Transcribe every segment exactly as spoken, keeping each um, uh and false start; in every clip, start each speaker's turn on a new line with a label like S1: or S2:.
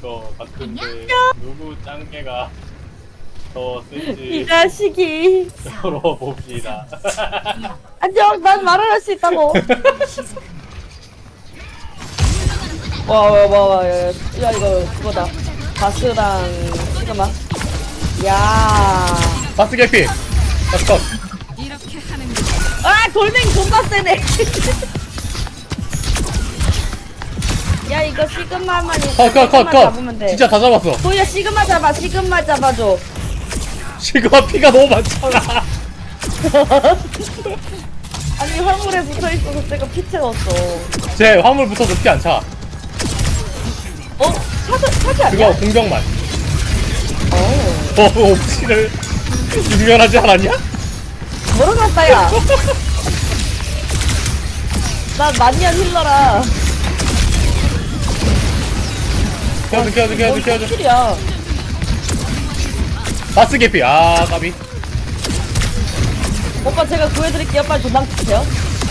S1: 것 같은데 누구 짱개가 더
S2: 이
S1: 센지
S2: 자식이.
S1: 서로 봅시다.
S2: 안녕, 난 말을 할 수 있다고. 와, 와, 와, 와, 야, 야, 이거 그거다. 바스랑 시그마. 야.
S1: 바스 개피. 바스 컷.
S2: 아, 돌멩이 존나 세네. 야, 이거 시그마만
S1: 컷, 컷, 컷,
S2: 시그마
S1: 컷.
S2: 잡으면 돼.
S1: 진짜 다 잡았어.
S2: 도희야, 시그마 잡아, 시그마 잡아줘.
S1: 시그마 피가 너무 많잖아.
S2: 아니, 화물에 붙어있어서 내가 피 채웠어.
S1: 제 화물 붙어도 피 안 차.
S2: 어? 차도, 차지 아니야?
S1: 그거 공격만.
S2: 어.
S1: 어, 옵시를 유명하지 않았냐?
S2: 모르겠다, 야. 나 만년 힐러라.
S1: 켜줘, 켜줘, 켜줘, 켜줘.
S2: 킬이야.
S1: 바스 개피. 아, 까비.
S2: 오빠 제가 구해드릴게요. 빨리 도망 주세요.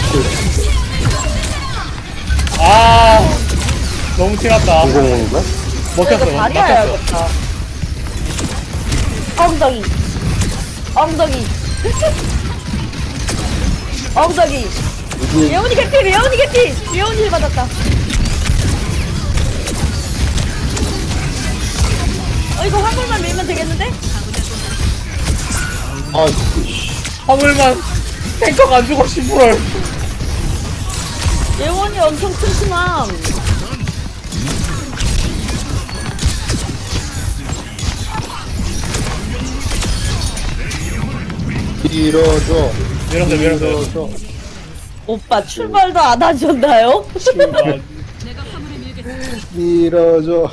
S1: 아, 너무 티났다.
S3: 공공인가?
S1: 먹혔어,
S2: 이거 다리
S1: 먹혔어.
S2: 해야겠다. 엉덩이. 엉덩이. 엉덩이. 예원이 개피, 예원이 개피. 예원이 힐 받았다. 어, 이거 화물만 밀면 되겠는데?
S3: 아, 씨.
S1: 화물만 탱커가 안 죽어, 십불을.
S2: 예원이 엄청 튼튼함.
S3: 밀어줘.
S1: 밀었어, 밀었어.
S3: 밀어줘.
S2: 오빠 출발도 안 하셨나요?
S1: 출발.
S3: 밀어줘.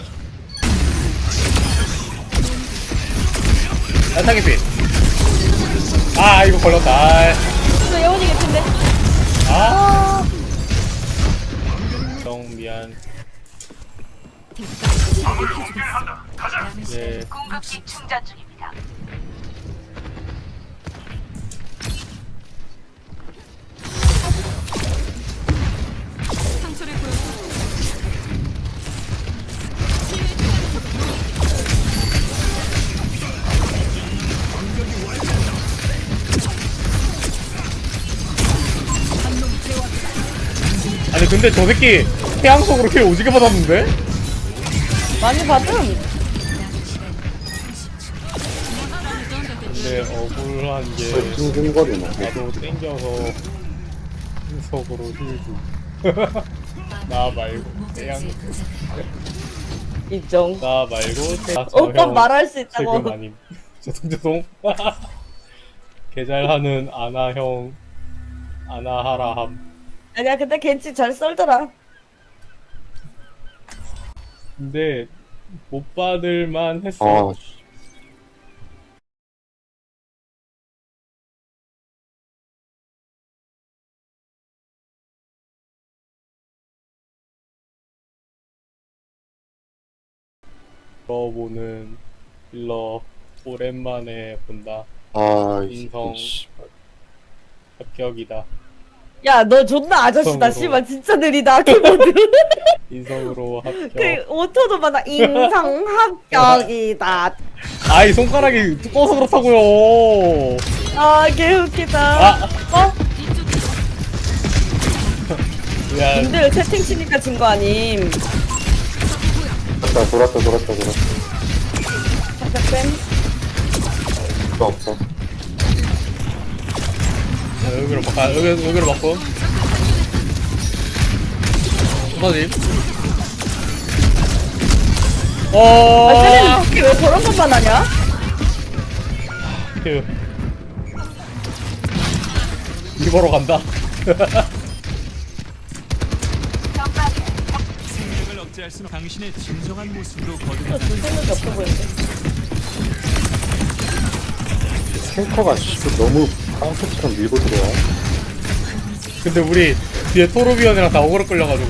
S1: 야타 개피. 아, 이거 걸렸다. 아,
S2: 이거 예원이 개피인데?
S1: 아. 정 미안. 예.
S4: 공급기 충전 중입니다.
S1: 아니 근데 저 새끼 태양 속으로 킬 오지게 받았는데?
S2: 많이 받음.
S1: 근데 억울한 게
S3: 왜 징징거리나?
S1: 나도 땡겨서 속으로 힐주. 나 말고 태양.
S2: 인정.
S1: 나 말고 태양.
S2: 오빠 말할 수 있다고.
S1: 지금 아님. 죄송 죄송. 개잘하는 아나 형 아나하라 함.
S2: 아니야, 근데 겐지 잘 썰더라.
S1: 근데 못 받을만 했어.
S3: 아, 씨.
S1: 들어보는 힐러 오랜만에 본다.
S3: 아, 이
S1: 인성.
S3: 새끼, 씨.
S1: 합격이다.
S2: 야, 너 존나 아저씨다.
S1: 인성으로.
S2: 씨발, 진짜 느리다. 키보드.
S1: 인성으로 합격.
S2: 그, 오토도 받아. 인성 합격이다.
S1: 아이 손가락이 두꺼워서 그렇다고요.
S2: 아, 개웃기다.
S1: 아.
S2: 어?
S1: 미안.
S2: 님들 채팅 치니까 진 거 아님.
S3: 돌았다, 돌았다, 돌았다, 돌았다.
S2: 잠깐,
S3: 필요 없어.
S1: 자, 여기로 바꿔. 아, 여기 여기로 바꿔. 부서짐.
S2: 아,
S1: 어.
S2: 쟤네는 특히 왜 저런 것만 하냐?
S1: 휴. 이거로 간다.
S5: 생각을 억제할 수는 당신의 진정한 모습으로
S2: 또
S5: 거듭나
S2: 줄 생각이 없어 보이는데.
S3: 탱커가 씨, 너무 깡패처럼 밀고 들어와.
S1: 근데 우리 뒤에 토르비언이랑 다 어그로 끌려가지고.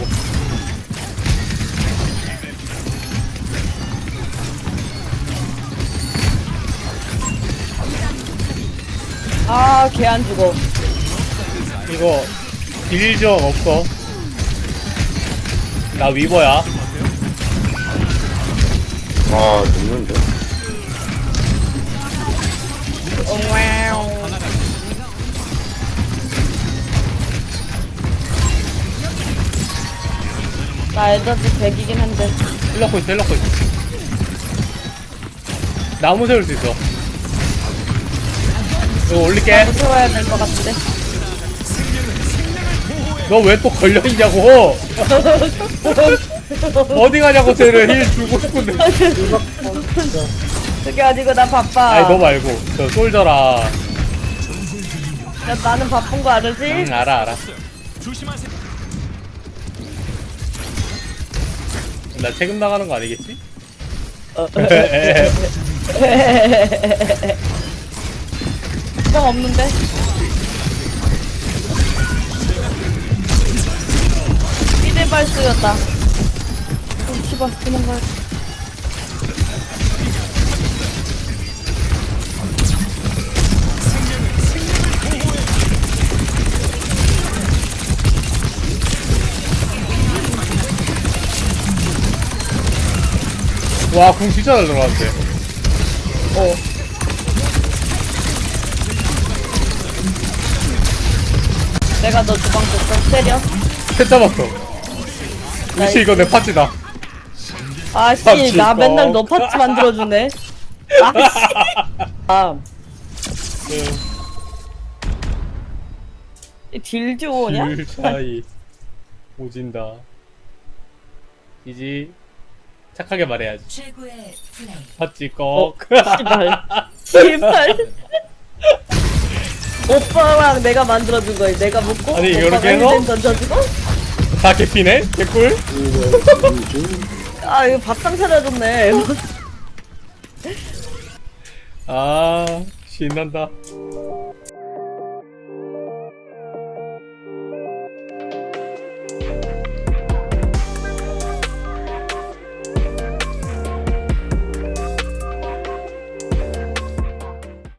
S2: 아, 걔 안 죽어.
S1: 이거 딜적 없어. 나 위버야.
S3: 아, 죽는데?
S2: 나 에너지 백이긴 한데.
S1: 힐러코 있어 힐러코 있어. 나무 세울 수 있어. 이거 올릴게.
S2: 무서워야 될 것 같은데.
S1: 너 왜 또 걸려있냐고. 어디 가냐고. 쟤를 힐 주고 싶은데.
S2: 그게 아니고 나 바빠.
S1: 아니 너 말고 저 솔저라.
S2: 야, 나는 바쁜 거 알지?
S1: 응 알아 알아.
S5: 조심하세요.
S1: 나 세금 나가는 거 아니겠지?
S2: 형 없는데? 이대발수였다. 어, 씨발, 도망가야 돼.
S1: 와, 궁 진짜 잘 들어갔는데.
S2: 어. 내가 너 주방 줬어? 때려?
S1: 셋 잡았어. 역시 이거 내 파츠다.
S2: 아씨,
S1: 파츠
S2: 나
S1: 뻥.
S2: 맨날 너 파츠 만들어주네. 아씨. 아, 딜 좋으냐?
S1: 딜 차이. 오진다. 이지. 착하게 말해야지.
S4: 최고의 플레이.
S1: 파츠 꺽.
S2: 씨발. 씨발. 오빠랑 내가 만들어준 거 내가 먹고
S1: 아니,
S2: 오빠가
S1: 이렇게 해서?
S2: 힐 던져주고
S1: 다 개피네? 개꿀?
S3: 이거, 이중?
S2: 아 이거 밥상 차려줬네.
S1: 아, 신난다.